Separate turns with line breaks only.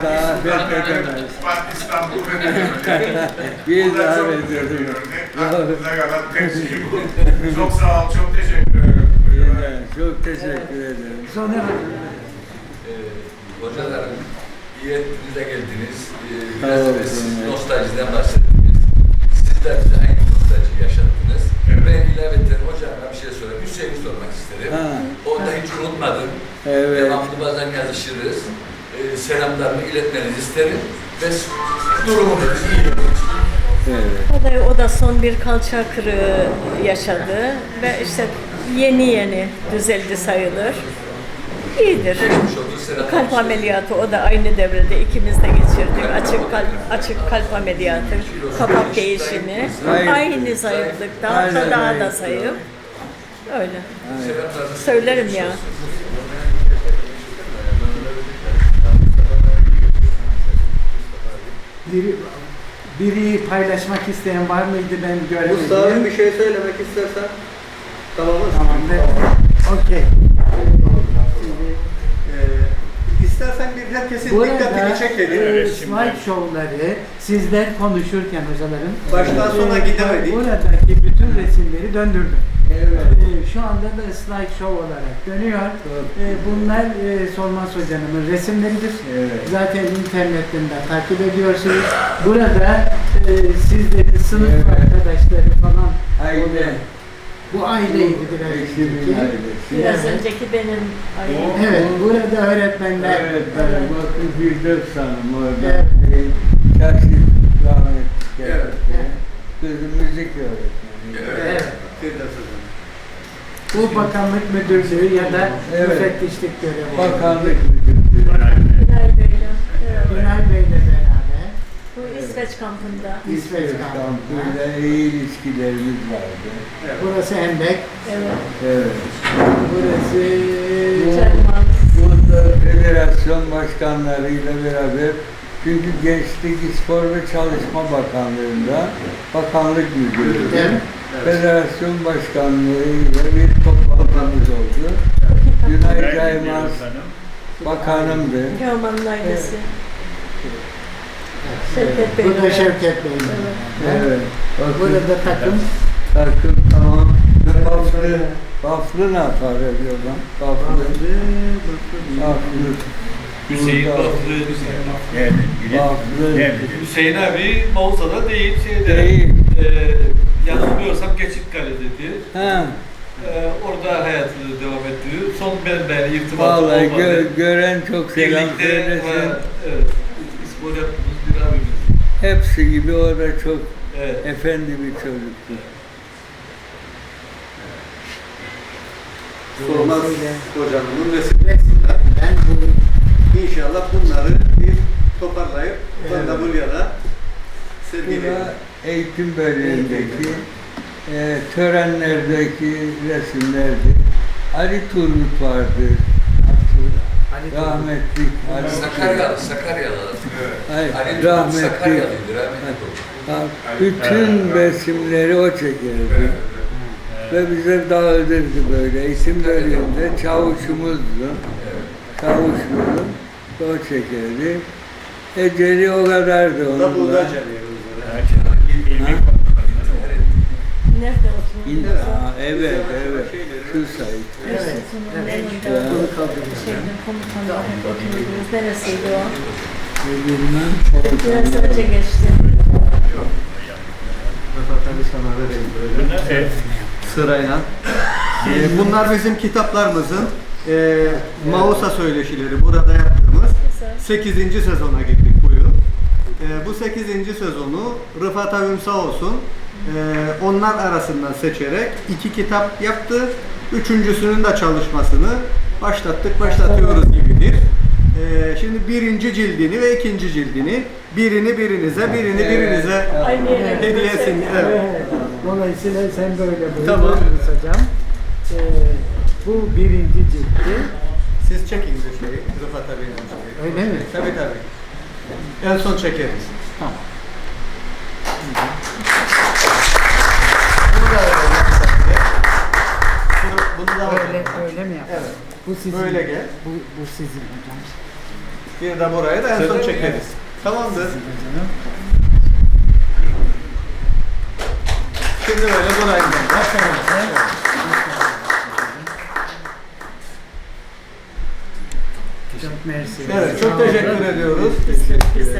Davet edemez.
İstanbul fethedemedi.
Bir
Bu da çok
davet
güzel bir
edemez.
örnek. Aklınıza kalan tek şey bu. Çok sağ ol, çok teşekkür ederim.
Çok teşekkür ederim.
Sonra
Hocalarım, iyi ettiniz de geldiniz.
Sağ
Biraz
olun.
da siz nostaljiden bahsettiniz. Siz de bize aynı nostalji yaşattınız. Ben ilaveten hocama bir şey sorayım. Hüseyin'i sormak isterim.
Ha.
Onu da hiç unutmadım.
Evet.
Devamlı bazen yazışırız. Selamlarımı iletmenizi isterim. Ve durumu da iyi.
Evet.
O da son bir kalça kırığı yaşadı ve işte yeni düzeldi sayılır. İyidir.
Geçmiş oldu, selamlar
Kalp
isterim.
ameliyatı o da aynı devrede ikimiz de geçirdik. Açık kalp ameliyatı, kapak değişimi.
Zayıf.
Aynı zayıflıktan
Aynen
daha da
zayıf.
zayıf. Öyle.
Selamlarınızı
Söylerim ya.
biri paylaşmak isteyen var mıydı, ben göremedim.
Mustafa bir şey söylemek istersen tamam mı?
Tamam, okey.
İstersen bir herkesin dikkatini çekelim.
Slide show'ları sizler konuşurken hocaların
Baştan sona gidemedik.
buradaki bütün resimleri döndürdüm. Şu anda da slide show olarak dönüyor. Bunlar Solmaz Hoca'nın resimleridir.
Evet.
Zaten internetten de takip ediyorsunuz. Burada sizlerin sınıf arkadaşları falan.
Aile.
Bu aileydi biraz
Eşimin
önceki.
ailesi.
Biraz
Evet.
önceki benim ailem.
Evet, burada öğretmenler.
Evet, ben bakın Firdevs Hanım orada.
Evet.
Kaşif rahmetli
Evet.
kendisi. Kızı müzik öğretmeni.
Evet.
Firdevs Hocam.
Bu bakanlık müdürlüğü ya da
Evet.
müfettişlik görevi.
Bakanlık müdürlüğü.
Günay Bey'le. Evet.
Günay Bey'le beraber
Bu İsveç kampında.
İsveç kampında.
kampıyla iyi ilişkilerimiz vardı.
Burası Hendek.
Evet.
Evet.
Burası
Cerman.
Burada federasyon başkanlarıyla beraber, çünkü Gençlik, Spor ve Çalışma Bakanlığı'nda bakanlık müdürü.
Evet.
Federasyon başkanlığıyla bir toplantımız oldu. Günay Caymaz bakanımdı.
Teoman'ın ailesi. Şevket Bey'le.
Bu da Şevket Bey'in.
Evet.
Evet. Bakın,
Burada takım.
takım tamam. Baflı ne yapar ediyor lan? Baflı.
Hüseyin
Burada.
Baflı,
Baflı.
Hüseyin abi Mausa'da değil, şeyde.
Değil.
Yanılmıyorsam Geçitkale'dedir.
Ha.
Orada hayatını devam ettiriyor. Son benimle irtibatı
Vallahi
olmadı.
gören çok selam
Birlikte,
söylesin.
evet, spor yaptığımız bir abimiz.
Hepsi gibi o da çok
Evet.
efendi bir çocuktu.
Solmaz Hocam'ın resimlerinden
Ben bu
inşallah bunları bir toparlayıp ben de buraya da sergileyelim.
Bura eğitim bölümündeki törenlerdeki resimlerdi. Ali Turgut vardı. Rahmetli Ali
Sakaryalı.
Hayır,
Ali
rahmetli.
Sakaryalıydı, rahmetli oldu.
Ha, bütün resimleri o çekerdi. Ve bize dağıtırdı böyle. Eğitim bölümünde çavuşumuzdu. Çavuşumuzdu. O çekerdi. Eceli o kadardı
Da
onun.
burada
da.
Nerede oturuyor?
Evet, evet. Şu sayı.
Evet. Şeyde komutanlar hep oturuyoruz. Neresiydi o?
Bilmem.
Biraz önce geçti.
Rıfat abi sana vereyim böyle. Sırayla. Bunlar bizim kitaplarımızın Mausa söyleşileri burada yaptığımız 8. sezona girdik bu yıl. Bu 8. sezonu Rıfat abim sağ olsun onlar arasından seçerek 2 kitap yaptı. Üçüncüsünün de çalışmasını başlatıyoruz gibidir. Şimdi birinci cildini ve ikinci cildini birini birinize
Aynı yere
hediyesin. Evet.
Dolayısıyla sen böyle buyur.
Tamam.
Hocam. Bu birinci ciltti.
Siz çekin bu şeyi, Rıfat abinin şeyi.
Öyle mi?
Tabii tabii. En son çekeriz.
Tamam.
Bunu da öyle yapsak diye. Bunu da
Öyle mi yapalım?
Evet.
Bu sizin.
Böyle gel.
Bu sizin hocam.
Bir de burayı da en son çekeriz. Tamamdır. Şimdi böyle burayı da.
Çok mersi.
Evet, çok teşekkür ediyoruz.
Biz de